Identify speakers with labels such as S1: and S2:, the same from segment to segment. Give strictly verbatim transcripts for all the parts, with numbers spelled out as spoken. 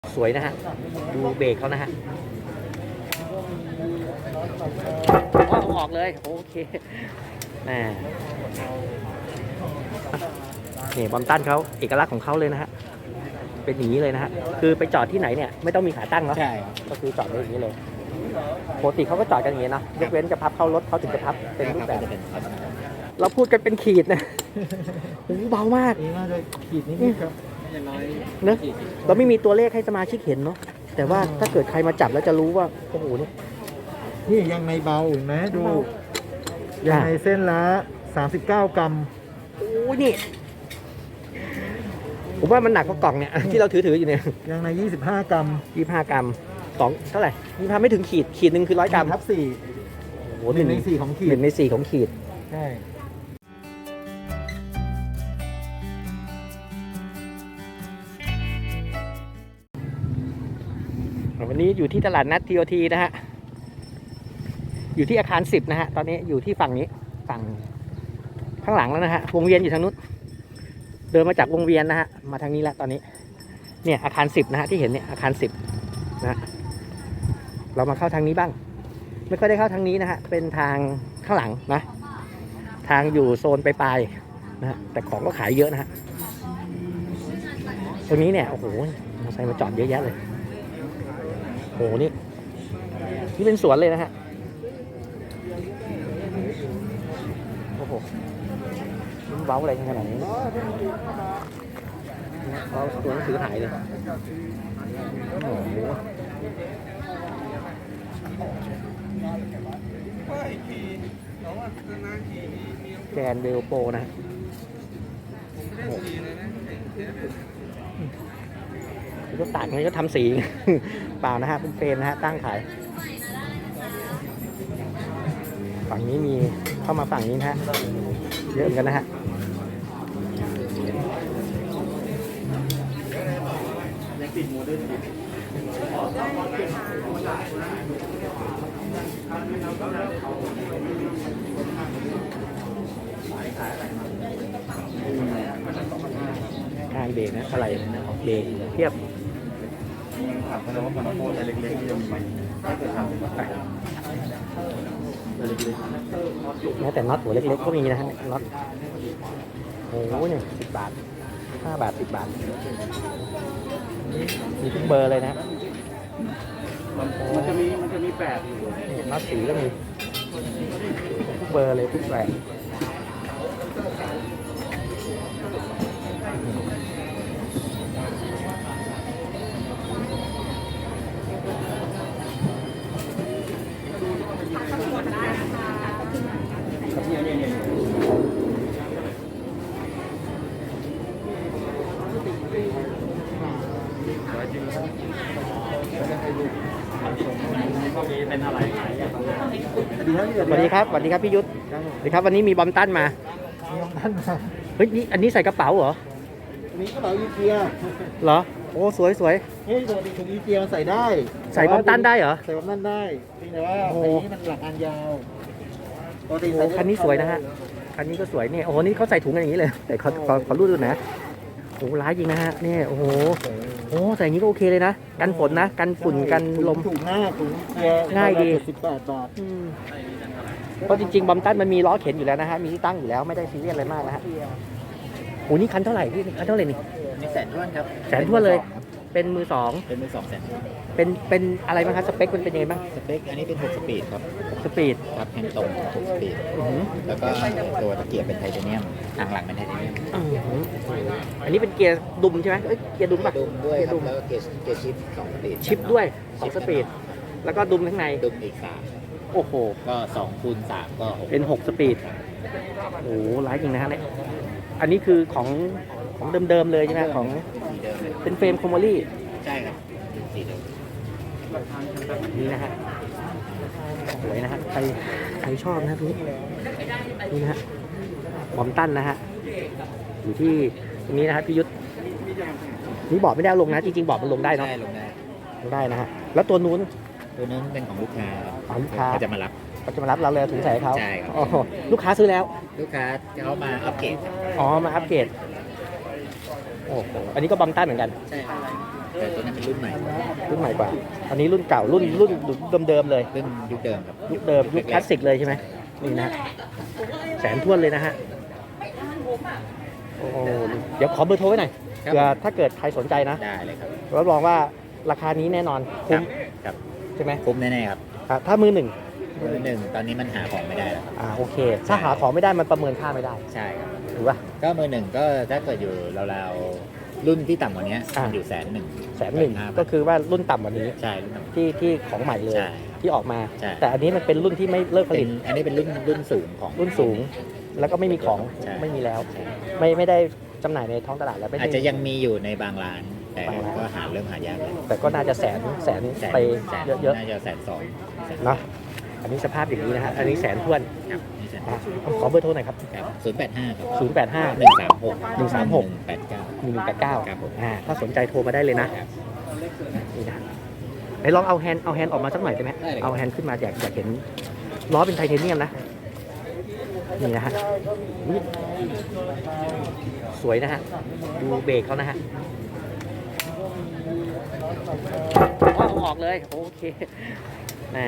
S1: สวยนะฮะดูเบรกเขานะฮะอ๋อออกเลยโอเคน่นี่บอมตันเขาเอกลักษณ์ของเขาเลยนะฮะเป็นอย่างนี้เลยนะฮะคือไปจอดที่ไหนเนี่ยไม่ต้องมีขาตั้งเนาะใช่ก็คือจอดได้อย่างนี้เลยปกติเขาก็จอดกันอย่างนี้นะยกเว้นจะพับเข้ารถเขาถึงจะพับเป็นรูปแบบเราพูดกันเป็นขีดนะโอ้เบามาก
S2: นี่น่าจะขีดนิดๆครับอย่างน้อย
S1: เนอะเราไม่มีตัวเลขให้สมาชิกเห็นเนาะแต่ว่าถ้าเกิดใครมาจับแล้วจะรู้ว่าโอ้โหนี่
S2: นี่ยังในเบาเห็นไหมดูยังในเส้นละสามสิบเก้ากรัม
S1: โอ้ยนี่ผมว่ามันหนักกว่ากล่องเนี่ยที่เราถือถืออยู่เนี่ย
S2: ยังในยี่สิบห้ากรัม
S1: ยี่สิบห้ากรัมสองเท่าไหร่ยี่สิบห้าไม่ถึงขีดขีดหนึ่งคือร้อยกรัม
S2: ทับสี่
S1: โอ้โห
S2: หนึ่งในสี่ของขีด
S1: หนึ่งในสี่ของขีด
S2: ใช่
S1: วันนี้อยู่ที่ตลาดนัด ที โอ ที นะฮะอยู่ที่อาคารสิบนะฮะตอนนี้อยู่ที่ฝั่งนี้ฝั่งข้างหลังแล้วนะฮะวงเวียนอยู่ทางนู้นเดินมาจากวงเวียนนะฮะมาทางนี้แล้วตอนนี้เนี่ยอาคารสิบนะฮะที่เห็นเนี่ยอาคารสิบนะเรามาเข้าทางนี้บ้างไม่ค่อยได้เข้าทางนี้นะฮะเป็นทางข้างหลังนะทางอยู่โซนปลายๆนะฮะแต่ของก็ขายเยอะนะฮะตรงนี้เนี่ยโอ้โหมอเตอร์ไซค์มาจอดเยอะแยะเลยโอ้โหนี่นี่เป็นสวนเลยนะฮะโอ้โหมันเว้าอะไรขนาดนี้เราตัวหนังสือหายเลยโอ้โหแกนเบลโปนะก็ตัดนี้ก็ทำสีเปล่านะฮะเป็นเฟรมนะฮะตั้งขายฝั่งนี้มีเข้ามาฝั่งนี้นะฮะเยอะเหมือนกันนะฮะการเบรกนะอะไรเบรกเทียบถามเขาว่าพาราโบอะไรเล็กๆที่จะมีไหมไม่เคยทำแม้แต่น็อตหัวเล็กๆก็มีนะฮะน็อตโอ้โหเนี่ยสิบบาทห้าบาทสิบบาทมีทุกเบอร์เลยนะมันจะมีมันจะมีแปดน็อตสีก็มีทุกเบอร์เลยทุกแบบสวัสดีครับสวัสดีครับพี่ยุทธสวัสดีครับวันนี้มีบอมตันมา
S2: มีบอมตันมา
S1: เฮ้ยนี่อันนี้ใส่กระเป๋าเหรอ
S2: อันนี้กระเป๋าอีเกีย
S1: เหรอโอ้สวยสวย
S2: เฮ้ยปกติถุงอีเกียใส่ได้
S1: ใส่บอมตันได้เหรอ
S2: ใส่บอมตันได้แต่ว่าไอ้นี้มันหลักอันยาว
S1: ปกติใส่คันนี้สวยนะฮะคันนี้ก็สวยนี่โอ้โหนี่เขาใส่ถุงกันอย่างนี้เลยแต่ขอขอขอรูดดูนะโอ้ร้ายจริงนะฮะนี่โอ้โหโอ้ใส่อย่างนี้ก็โอเคเลยนะกันฝนนะกันฝุ่นกันลม
S2: ถุงหน้าถุง
S1: ง่ายดี
S2: สิบแปดบาท
S1: เพราะจริงๆบอมตันมันมีล้อเข็นอยู่แล้วนะฮะมีที่ตั้งอยู่แล้วไม่ได้ซีเรียสอะไรมากนะฮะโอ้นี่คันเท่าไหร่พี่คันเท่าไหร่นี่
S3: นี่แสนท้วนครับ
S1: แสนท้วนเลยเป็นมือสอง
S3: เป็นมือสองแสน
S1: เป็นเป็นอะไรบ้างครับสเปคมันเป็นยังไงบ้าง
S3: สเปคอันนี้เป็นหกสปีดครับ
S1: หกสปีด
S3: ครับแฮนด์ตรงหกสปีดแล้วก็ตัวตะเกียบเป็นไทเทเนียมทางหลังเป็นไทเทเนียม
S1: อันนี้เป็นเกียร์ดุมใช่ไหมเอ้ยเกียร์ดุมป่ะ
S3: ดุมด้วยครับแล้วก็เกียร์เกียร์ชิปสองสปีด
S1: ชิปด้วยสองสปีดแล้วก็ดุมข้างใน
S3: ดุมอีกสาม
S1: โอ้โห
S3: ก็สองคูณสามก็
S1: เป็นหกสปีดโอ้ร้ายจริงนะฮะเนี่ยอันนี้คือของของเดิมๆเลยใช่ไหมของเป็นเฟรมคอมโมลี่
S3: ใช่ครับสีเดิม
S1: นี่นะฮะสวยนะฮะใครใครชอบนะทุกนี่นะฮะบอมตันนะฮะอยู่ที่ตรงนี้นะฮะพี่ยุทธนี่บอกไม่ได้ลงนะจริงๆบอกมันลงได้เนาะ
S3: ลงได้
S1: ลงได้นะฮะแล้วตัวนู้น
S3: ตัวนู้นเป็นของลูกค้า
S1: ของลูกค้า
S3: เขาจะมารับ
S1: เขาจะมารับเราเลยถุงใส่เขา
S3: ใช่ครับ
S1: ลูกค้าซื้อแล้ว
S3: ลูกค้าเขามาอัปเกรด
S1: อ๋อมาอัปเกรดโอ้อันนี้ก็บอมตันเหมือนกัน
S3: ใช่แต่ตัวนั้นเป็นรุ่นใหม่
S1: รุ่นใหม่กว่า อันนี้รุ่นเก่า รุ่นรุ่นเดิมๆเลย
S3: รุ่นยุคเดิมครับ
S1: ยุคเดิมยุคคลาสสิกเลยใช่ไหมนี่นะแสนท้วนเลยนะฮะโอ้โหเดี๋ยวขอเบอร์โทรไว้หน่อย
S3: ครับ
S1: เผื่อถ้าเกิดใครสนใจนะ
S3: ได้เลยครับ
S1: รับรองว่าราคานี้แน่นอนคุ้ม
S3: ครับ
S1: ใช่ไหม
S3: คุ้มแน่ๆครับ
S1: อ่ะถ้ามือหนึ่ง
S3: มือหนึ่งตอนนี้มันหาของไม่ได้แล้วครับ
S1: อ่าโอเค ถ้าหาของไม่ได้มันประเมินค่าไม่ได้
S3: ใช่ครับ
S1: ถูกป่ะ
S3: ก็มือหนึ่งก็ถ้าเกิดอยู่ราวๆรุ่นที่ต่ำกว่านี้
S1: อ่ามั
S3: มันอยู่แสนหนึ่ง
S1: แสนหนึ่งก็คือว่ารุ่นต่ำกว่านี้
S3: ใช่รุ่นต่ำ
S1: ที่ที่ของใหม่เลย
S3: ใช่
S1: ที่ออกมา
S3: ใช่
S1: แต่อันนี้มันเป็นรุ่นที่ไม่เลิกผ
S3: เป็
S1: ลิ
S3: น
S1: ต
S3: อันนี้เป็นรุ่นรุ่นสูงของ
S1: รุ่นสูง แล้วก็ไม่มีของ
S3: ใช่
S1: ไม่มีแล้ว
S3: ใช่
S1: ไม่ไม่ได้จำหน่ายในท้องตลาดแล้วไม่ได้
S3: อาจจะยังมีอยู่ในบางร้าน แต่
S1: บางร้าน
S3: ก็หาเริ่มหายากแล้ว
S1: แต่ก็น่าจะแสนแสน
S3: แสน
S1: ไป
S3: แสน
S1: เยอะ
S3: น่าจะแสนสองแสน
S1: ๆเนาะอันนี้สภาพอย่างนี้นะฮะอันนี้แสนท้วน
S3: ครับนี่แสน
S1: อ่ะขอเบอร์โทรหน่อยครับ
S3: ครับศูนย์แปดห้าครับ
S1: ศูนย์ แปด ห้า
S3: หนึ่งสามหก
S1: หนึ่งสามหก
S3: แปดเก้า
S1: หนึ่ง แปด เก้า
S3: ครับผม
S1: อ่าถ้าสนใจโทรมาได้เลยนะครับ นี่นะไหนลองเอาแฮนด์เอาแฮนด์ออกมาสักหน่อยได้ไหม
S3: ได้เลย
S1: เอาแฮนด์ขึ้นมาอยากอยากเห็นล้อเป็นไทเทเนียมนะนี่นะฮะอุ๊ยสวยนะฮะดูเบรกเขานะฮะอ๋อเอาออกเลยโอเคน่า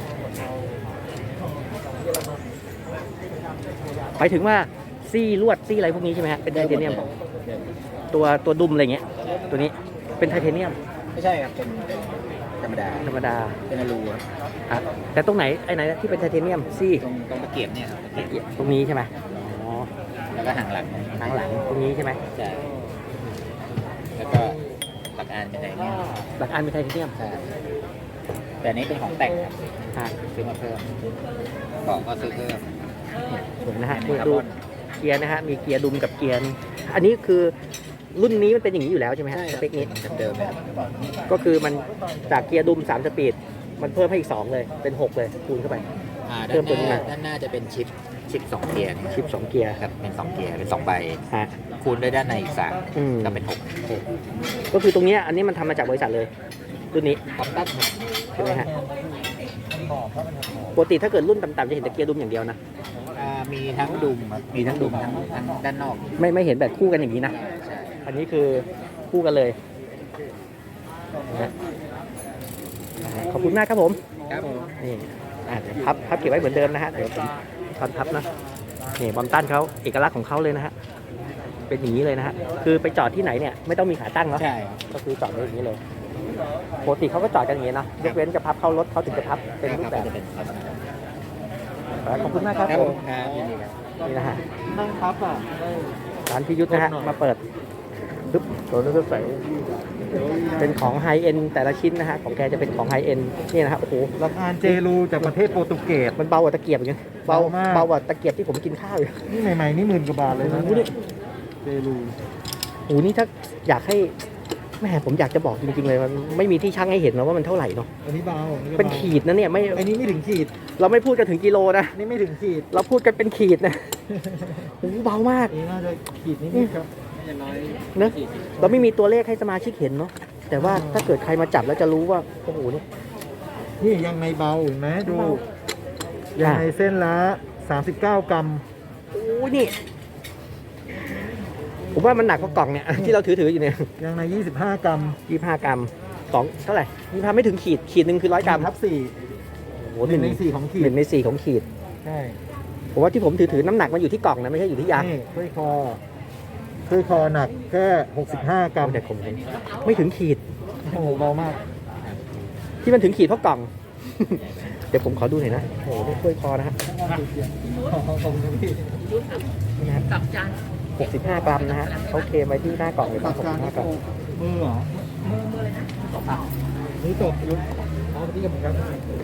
S1: ไปถึงว่าซี่ลวดซี่อะไรพวกนี้ใช่ไหมฮะเป็นไทเทเนียมตัวตัวดุมอะไรเงี้ยตัวนี้เป็นไทเทเนียม
S3: ไม่ใช่ครับ เป็นธรรมดา
S1: ธรรมดา
S3: เป็นอลูครับ
S1: อ่ะแต่ตรงไหนไอ้ไหนนะที่เป็นไทเทเนียมซี่
S3: ตรงตรงตะเกียบเนี่ยครับตะเกียบ
S1: ตรงนี้ใช่ไหมอ๋อ
S3: แล้วก็หางหลัง
S1: ทางหลังตรงนี้ใช่ไหม
S3: ใช่แล้วก็หลักอานเป็นไงเนี่ย
S1: หลักอันเป็นไทเทเนียม
S3: ใช่แต่อันนี้เป็นของแต่งครับ
S1: ฮะ
S3: ซื้อมาเพิ่มบอกก็ซื้อเพิ่ม
S1: สวยนะฮะ
S3: อัน
S1: นี่
S3: นี้คาร์
S1: ดู
S3: บอน
S1: เกียร์นะฮะมีเกียร์ดุมกับเกียร์นี่อันนี้คือรุ่นนี้มันเป็นอย่างนี้อยู่แล้วใช่ไหมฮะสเปคนี้
S3: เดิมๆเลยครับ
S1: ก็คือมันจากเกียร์ดุมสามสปีดมันเพิ่มให้อีกสองเลยเป็นหกเลยคูณเข้าไป
S3: อ่า
S1: เพิ่
S3: ด้าม น
S1: ตัว
S3: ห
S1: นี้
S3: น้า
S1: มา
S3: ด้านหน้าจะเป็นชิปชิปสองเกียร์เนี่ย
S1: ชิปสองเกียร์
S3: ครับเป็นสองเกียร์เป็นสองใบ
S1: ฮะ
S3: คูณด้วยด้านในอีกสาม
S1: อืม
S3: ก็เป็นหก
S1: ก็คือตรงเนี้ยอันนี้มันทำมาจากบริษัทเลยรุ่นนี้
S3: คอมตัส
S1: ใช่ไหมฮะปกติถ้าเกิดรุ่นต่ำๆจะเห็นแต่เกียร์ดุมอย่างเดียวนะ
S3: อ่ามีทั้งดุมครับมีทั้งดุมทั้งทั้งด้านนอก
S1: ไม่ไม่เห็นแบบคู่กันอย่างนี้นะ
S3: ใช่
S1: อันนี้คือคู่กันเลยนะฮะขอบคุณมากครับผม
S3: ครับผม
S1: นี่อ่ะเดี๋ยวพับพับเก็บไว้เหมือนเดิมนะฮะ เดี๋ยวผมตอนพับนะ นี่บอมตันเขาเอกลักษณ์ของเขาเลยนะฮะ เป็นอย่างนี้เลยนะฮะ คือไปจอดที่ไหนเนี่ยไม่ต้องมีขาตั้งเนาะ
S3: ใช่ครับ
S1: ก็คือจอดไว้อย่างนี้เลย ปกติเขาก็จอดกันอย่างนี้เนาะยกเว้นจะพับเข้ารถเขาถึงจะพับเป็นรูปแบบ
S3: จะเป็นลักษณะ
S1: ขอบคุณมากครับ
S3: ครับ
S1: ผ
S3: ผม มครับยินดีครับ
S1: นี่นะฮะ
S2: นั่งพับอ่ะได้
S1: ร้านพิยุทธนะฮะ มาเปิดปึ๊บตัวนี้ก็ใส่เป็นของไฮเอ็นแต่ละชิ้นนะฮะ ของแกจะเป็นของไฮเอ็นนี่นะฮะ โอ้โห
S2: รับอานเจรูจากประเทศโปรตุเกส
S1: มันเบากว่าตะเกียบอย่างเงี้ยเบา
S2: เบามาก
S1: เบากว่าตะเกียบที่ผมกินข้าวอยู่
S2: นี่ใหม่ๆนี่หมื่นกว่าบาทเลยนะ
S1: โอ้โหนี่
S2: เจรู
S1: โอ้โหนี่ถ้าอยากให้แม่ผมอยากจะบอกจริงๆเลยมันไม่มีที่ชั่งให้เห็นนะว่ามันเท่าไหร่เนาะ
S2: อันนี้เบาอัก็
S1: เป็น
S2: บา
S1: ขีดนะเนี่ยไม่
S2: อันนี้ไม่ถึงขีด
S1: เราไม่พูดกันถึงกิโลนะ
S2: นี่ไม่ถึงขีด
S1: เราพูดกันเป็นขีดนะโอ้โหเบามาก
S2: อันนี้น่าจะขีดนิดๆครับ
S1: เนอะเราไม่มีตัวเลขให้สมาชิกเห็นเนาะแต่ว่าถ้าเกิดใครมาจับแล้วจะรู้ว่าโอ้โหนี่
S2: นี่ยังในเบาเห็นไหมดู
S1: เบา
S2: ยังในเส้นละสามสิบเก้ากรัม
S1: โอ้ยนี่ผมว่ามันหนักกว่ากล่องเนี่ย ที่เราถือถือๆอยู่เนี่ย
S2: ยังในยี่สิบห้ากรัม
S1: ยี่ห้ากรัมสองเท่าไหร่ยี่ห้าไม่ถึงขีดขีดหนึ่งคือร้อยกรัม
S2: ทับสี่
S1: โอ้โห
S2: หนึ่งในสี่ของขี
S1: ห
S2: ด
S1: นึ่งในสี่ของขีด
S2: ใช่
S1: ผมว่าที่ผมถือถือน้ำหนักมันอยู่ที่กล่องนะไม่ใช่อยู่ที่ยาง
S2: นี่ถ้วยคอถ้วยคอหนักแค่หกสิบห้ากรัม
S1: แต่ผมเห็นไม่ถึงขีด
S2: โอ้โหเบามาก
S1: ที่มันถึงขีดเพราะกล่อง เดี๋ยวผมขอดูหน่อยนะโอ้โหนี่ถ้วยคอนะฮะ
S2: ขอบคุณพี่
S1: นี่นะหกสิบห้ากรัมนะฮะเขาเคลมไว้ที่หน้ากล่องเลย
S2: ตั
S1: ว่า
S2: ด
S1: หก
S2: กา
S1: สิ
S2: ร
S1: บห้ากรัม
S2: มือเหรอมือมือเลยนะนี่ตกยุบอ๋อที่กับเหมือนกัน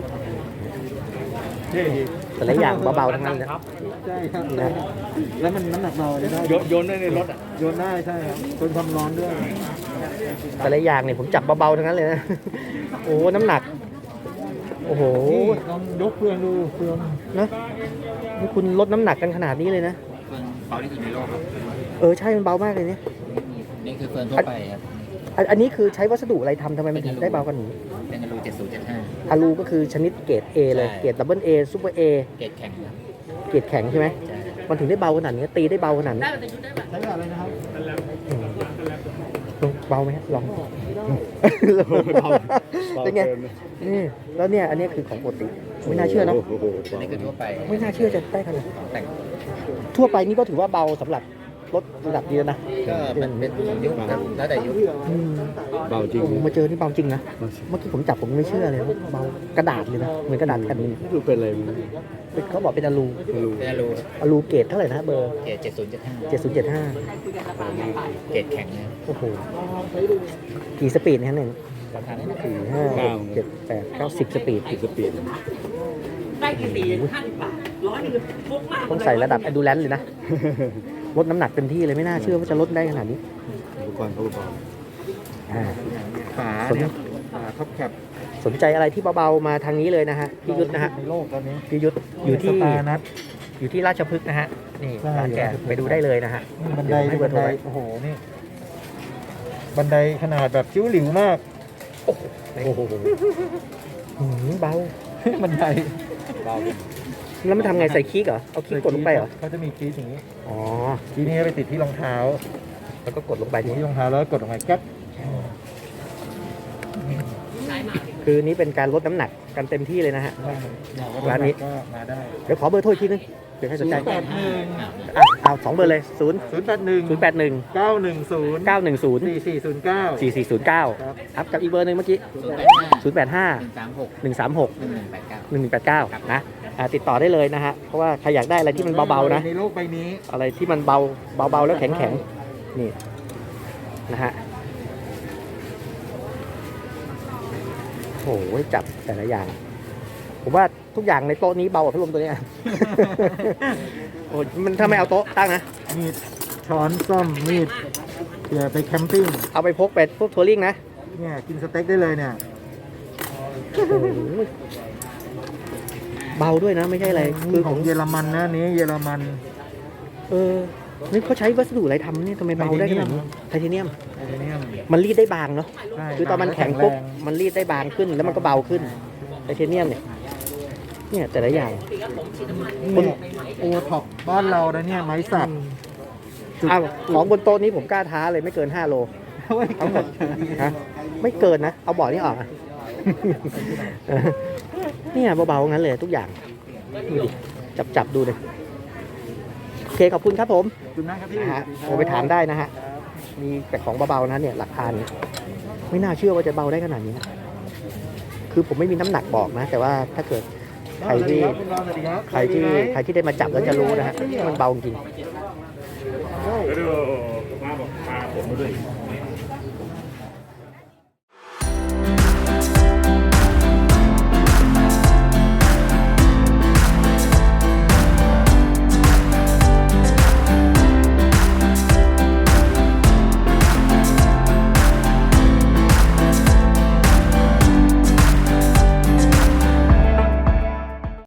S2: เท่
S1: แต่ละอย่างเบาๆทั้งนั้นเลย
S2: ใช่ครับ
S1: นะ
S2: แล้วมันน้ำหนักเบาเลยได้
S4: โยนได้ในรถอ่ะ
S2: โยนได้ใช่ครับทนความร้อนด้วย
S1: แต่ละอย่างเนี่ยผมจับเบาๆทั้งนั้นเลยนะ โอ้น้ำหนัก โอ้โห
S2: นี่ลองยกเฟืองดูเฟือง
S1: นะนี่คุณลดน้ำหนักกันขนาดนี้เลยนะ
S3: เฟืองเบาที่สุดในโลกครับ
S1: เออใช่มันเบามากเลยเนี่ย
S3: นี่คือเฟืองทั่วไปครับ
S1: อันอันนี้คือใช้วัสดุอะไรทำทำไมมันถึงได้เบากว่านี้
S3: เป็นอลูเจ็ดศูนย์เจ็ดห้า
S1: อะลูก็คือชนิดเกรด A เลย
S3: ใช่
S1: เกรดดับเบิลเอซูเปอร์เอ
S3: เกรดแข็งครับ
S1: เกรดแข็งใช่ไหม
S3: ใช่
S1: มันถึงได้เบาขนาดนี้ตีได้เบาขนาดนี้
S2: ใช้กับอะไรนะครับ
S1: อืมลองเบาไหมฮะลองเป็นไงนี่แล้วเนี่ยอันนี้คือของปกติไม่น่าเชื่อเนอะ
S3: อันนี้คือทั่วไป
S1: ไม่น่าเชื่อจะได้ขนาด
S3: แต่ง
S1: ทั่วไปนี่ก็ถือว่าเบาสำหรับรถระดับนี้แล้วนะ
S3: ก็มันเป็นยุคครับแล้วแต่ยุค
S1: อืม
S2: เบาจริง
S1: โอ้โหมาเจอนี่เบาจริงนะ เมื่อกี้ผมจับผมไม่เชื่อเลยว่าเบากระดาษเลยนะ เหมือนกระดาษแผ่นนึง
S2: ดูเป็นอะไรมึง
S1: เป็นเขาบอกเป็นอะลู
S2: ไม่รู้
S3: เป็นอลู
S1: อะลูเกรดเท่าไหร่นะเบอร์
S3: เกรดเจ็ดศูนย์เจ็ดห้า
S1: เจ็ดศูนย์เจ็ดห้า
S3: เกรดแข็งเนี่ย
S1: โอ้โห กี่สปีดเนี่ยหนึ่ง
S3: ราคานี้นะ
S1: สี่ห้าหกเจ็ดแปดเก้าสิบสปีด
S2: สปีด
S4: ได้กี่สี่ห้าสิบบาทร้อยหนึ่งฟุกมาก
S1: ต้องใส่ระดับ endurance เลยนะ ลดน้ำหนักเต็มที่เลยไม่น่าเชื่อว่าจะลดได้ขนาดนี้
S2: อุปกรณ์อุปกรณ์
S1: อ่า
S2: ฝาเนี่ยฝาท็อปแคป
S1: สนใจอะไรที่เบาๆมาทางนี้เลยนะฮะ พี่ยุทธนะฮะ
S2: ในโลกตอนนี้
S1: พี่ยุทธอยู่ที่
S2: สตาร์นัท
S1: อยู่ที่ราชพฤกษ์นะฮะ นี่
S2: ใช่
S1: ร้านแก
S2: ราชพฤกษ์
S1: ไปดูได้เลยนะฮะ
S2: นี่บันได
S1: เยวให้
S2: นี่
S1: เบอ
S2: บั
S1: ร์
S2: น
S1: โทร
S2: ได
S1: ไว้
S2: โอ้โหนี่บันไดขนาดแบบจิ้วหลิวมาก
S1: โอ้โหหืมเบา
S2: บันได
S3: เบา
S1: แล้วมันทำไงใส่คีย์เหรอ เอาคีย์กดลงไปเหรอ
S2: เขาจะมีคีย์อย่างนี้
S1: อ๋อ
S2: คีย์นี้ไปติดที่รองเท้า
S1: แล้วก็กดลงไป
S2: ติด
S1: นี้
S2: ที่รองเท้าแล้วกดลงไปแก๊ป
S1: คือนี้เป็นการลดน้ำหนักกันเต็มที่เลยนะฮะ ร้านนี้
S2: ก็มาได้
S1: เดี๋ยวขอเบอร์โทรอีกทีนึงเดี๋ยวให้สนใจ
S2: ศูนย์แปดหนึ่ง
S1: อ่ะเอาสองเบอร์เลยศูนย์
S2: ศูนย์แปดหนึ่ง
S1: ศูนย์แปดหนึ่ง
S2: เก้าหนึ่งศูนย์
S1: เก้าหนึ่งศูนย์
S2: สี่สี่ศูนย์เก้า
S1: สี่สี่ศูนย์เก้า
S2: ครับ
S1: ครับกับอีกเบอร์หนึ่งเมื่อกี้
S3: ศูนย์แปดห้า
S1: ศูนย์แปดห้า
S3: หนึ่งสามหก
S1: หนึ่งสามหก
S3: หนึ่งหนึ่งแปดเก้า
S1: หนึ่งหนึ่งแปดเก้านะอ่าติดต่อได้เลยนะฮะ เพราะว่าใครอยากได้อะไรที่มันเบาๆนะ
S2: ในโลกใบนี้
S1: อะไรที่มันเบาเบาๆแล้วแข็งๆ นี่นะฮะโอ้โหจับแต่ละอย่าง ผมว่าทุกอย่างในโต๊ะนี้เบากว่าพัดลมตัวเนี้ย โอ้ยมันถ้าไม่เอาโต๊ะตั้งนะ
S2: มีดช้อนส้อมมีดเผื่อไปแคมปิ้ง
S1: เอาไปพกไปพวกทัวริงนะ
S2: เนี่ยกินสเต็กได้เลยเนี่ย
S1: โอ้โหเบาด้วยนะไม่ใช่อะไร
S2: คื
S1: คือ อ
S2: ข
S1: ข
S2: อ
S1: อง ง
S2: เยอรมันนะอันนี้เยอรมัน
S1: เออนี่เขาใช้วัสดุอะไรทำเนี่ยทำไมเบาได้ขนาดนี้ไทเทเนียม
S2: ไทเทเนียม
S1: มันรีดได้บางเนาะ
S2: ใช่
S1: คือตอนมันแข็งปุ๊บมันรีดได้บางขึ้นแล้วมันก็เบาขึ้นไทเทเนียมเนี่ยเนี่ยแต่ละอย่าง
S2: นี่โอท็อปบ้านเรานะเนี่ยไม้สัก
S1: อ้าวของบนโต๊ะนี้ผมกล้าท้าเลยไม่เกินห้าโลทั้งหมดฮะไม่เกินนะ เอาบ่อนี้ออกอะ เนี่ยเบาๆงั้นเลยทุกอย่างดูดิจับจับๆดูเลยโอเคขอบคุณครับผม
S2: ขอบคุณนะครับพี่
S1: นะฮะโทรไปถามได้นะฮะมีแต่ของเบาๆนะเนี่ยหลักพันไม่น่าเชื่อว่าจะเบาได้ขนาดนี้นะคือผมไม่มีน้ำหนักบอกนะ แต่ว่าถ้าเกิดใครที่
S2: คุณรอสวัสดีครับ
S1: ใครที่ใครที่ได้มาจับแล้วจะรู้นะฮะมันเบาจริง
S2: โอ้
S5: เดี๋ยวมาบอกพาผมมาด้วย